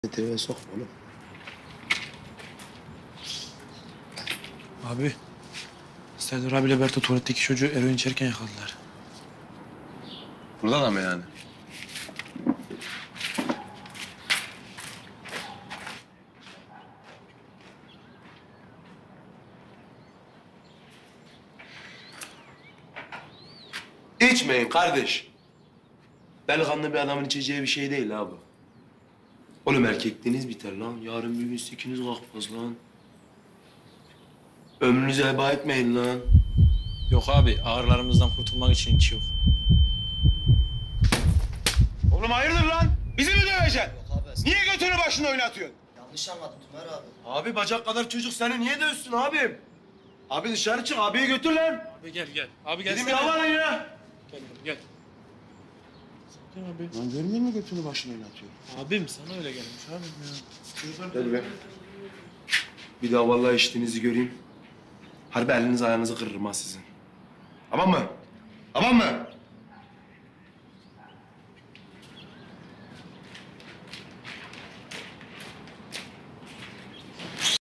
TV'ye sokma oğlum. Abi, Serdar abiyle Berto tuvaletteki çocuğu eroin içerken yakaladılar. Burada da mı yani? İçmeyin kardeş. Delikanlı bir adamın içeceği bir şey değil ha bu. Oğlum erkekliğiniz biter lan. Yarın bir gün sikiniz kalkmaz lan. Ömrünüzü heba etmeyin lan. Yok abi, ağrılarımızdan kurtulmak için hiç yok. Oğlum hayırdır lan? Bizi mi döveceksin? Yok abi. Niye götünü başına oynatıyorsun? Yanlış anladın Tümer abi. Abi bacak kadar çocuk seni niye dövsün abim? Abi dışarı çık, abiyi götür lan. Abi gel. Abi Dedim gelsene. yalan ya. Gel. Sakin abi. Lan görmüyor musun götünü başına oynatıyor? Abim sana öyle gelmiş abim ya. Gel be. Bir daha vallahi içtiğinizi göreyim. Harbi eliniz ayağınızı kırırım ha sizin. Tamam mı? Tamam mı?